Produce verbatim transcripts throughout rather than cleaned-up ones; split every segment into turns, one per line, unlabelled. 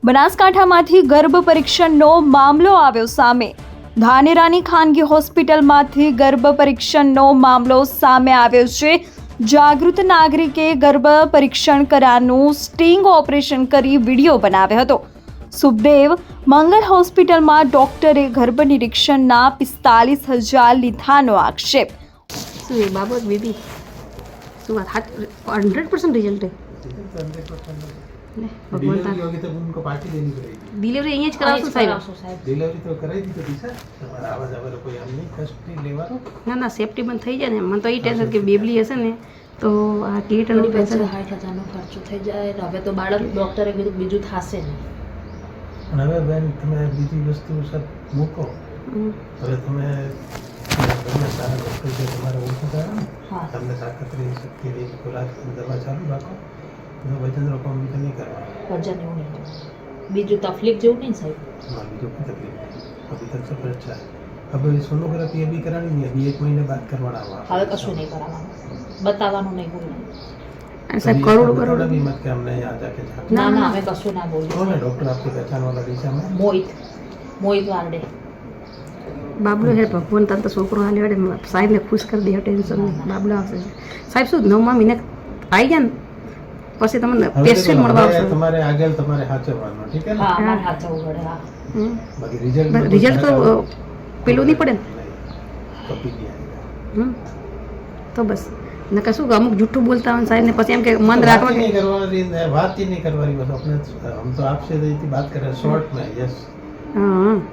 બનાસકાંઠામાંથી ગર્ભ પરીક્ષણનો મામલો આવ્યો સામે। ધાનેરાની ખાનગી હોસ્પિટલમાંથી ગર્ભ પરીક્ષણનો મામલો સામે આવ્યો છે। જાગૃત નાગરિકે ગર્ભ પરીક્ષણ કરાનું સ્ટિંગ ઓપરેશન કરી વિડીયો બનાવ્યો હતો। સુખદેવ મંગલ હોસ્પિટલમાં ડોક્ટરે ગર્ભ નિરીક્ષણના પિસ્તાલીસ હજાર લીધાનો આક્ષેપ।
શું એ બાબત બેબી શું વાત हंड्रेड परसेंट रिजल्ट है
डिलीवरी होगी तब उनको पार्टी देनी पड़ेगी।
डिलीवरी अहीं ज करावशो साहेब।
डिलीवरी तो कराई दी तो दिशा તમારા આવાજ આવે કોઈ આમ નહીં કષ્ટ નહીં લેવાનો।
ના ના સેફટી બંધ થઈ જાય ને મને તો એ ટેન્શન કે બેબલી હશે ને તો આ કીટ અને પૈસા
સાઠ હજારનો ખર્ચો થઈ જાય હવે તો બાળક ડોક્ટરે કીધું બીજું થશે નહીં।
પણ હવે બેન તમે બીજી વસ્તુ સબ મૂકો હવે તમે તમે સારા ડૉક્ટર છે તમારે ઓળખો કરો
હા
તમને તાકાત રહી શક્તિ રહી ખોરાક દવા ચાલુ રાખો તો વજન રોકવા બીજું નહીં કરવા
વજન એવું નહીં કરવાનું બીજું તકલીફ જેવું નહીં સાહેબ।
हाँ बीजों की तकलीफ नहीं अभी तक सब अच्छा है। अब सोनोग्राफी अभी करानी नहीं अभी एक महीने बाद करवाना हुआ
હવે કશું નહીં કરાવવાનું બતાવવાનું નહીં બોલવાનું।
અને સાહેબ કરોડ કરોડ
भी मत कि हमने यहाँ जाके जाके
ના ના અમે કશું ના બોલીએ।
कौन है डॉक्टर आपकी पहचान वाला दिशा में
મોહિત મોહિત વારડે
બાબલો હે ભગવાન તને તો છોકરો હાલ્યો એટલે સાહેબને ખુશ કરી દે ટેન્શન નહીં બાબલો આવશે સાહેબ શું નવમા મહિને આવી ગયા ને પછી તમને પેશન્ટ મળવા આવશે
તમારે આગળ તમારે સાચવવાનું ઠીક है
હા
ना
અમારે હાચવવું પડે હા
बाकी रिजल्ट
રિઝલ્ટ તો પેલું નહીં પડે ને
कभी नहीं आएगा।
હમ તો બસ ને કશું કે અમુક જૂઠું બોલતા હોય સાહેબ ને પછી એમ કે મન રાખવા
बात ही
કે
नहीं करवानी है बात ही नहीं करवानी बस अपने हम तो आपसे इतनी बात कर रहे हैं शॉर्ट में यस
હા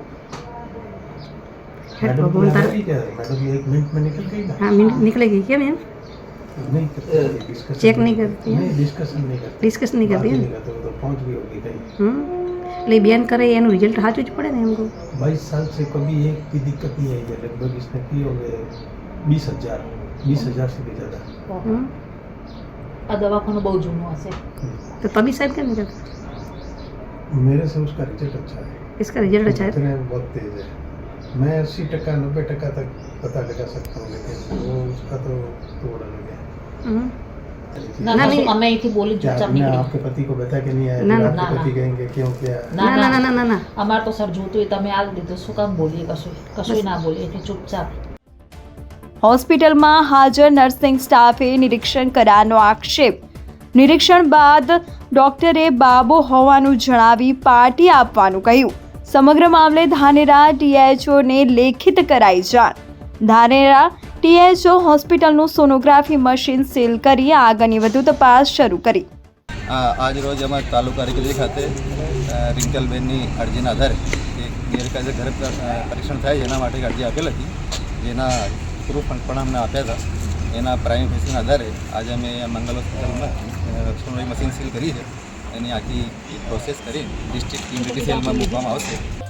હે
मैडम
ભગવાન તારે
ठीक है मैडम एक मिनट में निकल गई ना
हाँ मिनट निकले गई क्या मैम
नहीं करती डिस्कशन
चेक नहीं करती है
नहीं डिस्कशन नहीं करती
डिस्कस नहीं करती
बात ही
है
नहीं करते वो तो पहुंच गई होगी कहीं
हम्म એટલે બેન કરે એનું રિઝલ્ટ સાચું જ પડે ને એમ કહું
बाईस साल से कभी एक भी दिक्कत नहीं आई है लगभग इसने किए होंगे बीस हजार बीस हजार से भी ज़्यादा।
હમ
આ દવાખાનું બહુ જૂનું હશે।
तो तभी साहब क्या नहीं करते
मेरे से उसका रिजल्ट अच्छा है
इसका रिजल्ट अच्छा है
इतने बहुत तेज है मैं अस्सी टका नब्बे टका तक पता लगा सकता हूँ लेकिन वो उसका तो तोड़ अलग है।
हम्म
ના
ના,
કશું
નહીં।
અમે અહીંથી બોલી
क्या
ચૂપચાપ
आपने
નીકળી।
आपके पति को बता के नहीं आया
ना,
फिर
ना,
आपके
ना,
पति
ना।
कहेंगे क्यों क्या
ના
ના ના ના ના ના
અમારે તો સર જોતું હોય તમે આ દીધું શું કામ બોલીએ કશું કશું ના બોલીએ એટલે ચૂપચાપ।
હોસ્પિટલમાં હાજર નર્સિંગ સ્ટાફે નિરીક્ષણ કર્યાનો આક્ષેપ। નિરીક્ષણ બાદ ડોક્ટરે બાબો હોવાનું જણાવી પાર્ટી આપવાનું કહ્યું। સમગ્ર મામલે ધાનેરા ટીએચઓને લેખિત કરાઈ જાણ। ધાનેરા ટીએચઓ હોસ્પિટલનું સોનોગ્રાફી મશીન સીલ કરી આગળની વધુ તપાસ શરૂ કરી।
આજ રોજ અમારા તાલુકા કચેરી ખાતે રિંકલબેનની અરજીના આધારે એક ગેરકાયદે ઘરે પરીક્ષણ થાય એના માટે અરજી આપેલ હતી જેના પ્રૂફ પણ અમને આપ્યા હતા। એના પ્રાઇમ ફેસીના આધારે આજે અમે મંગલ હોસ્પિટલમાં સોનોગ્રાફી મશીન સીલ કરી છે એની આખી પ્રોસેસ કરી ડિસ્ટ્રિક્ટ ઇમ્યુનિટી સેલમાં મૂકવામાં આવશે।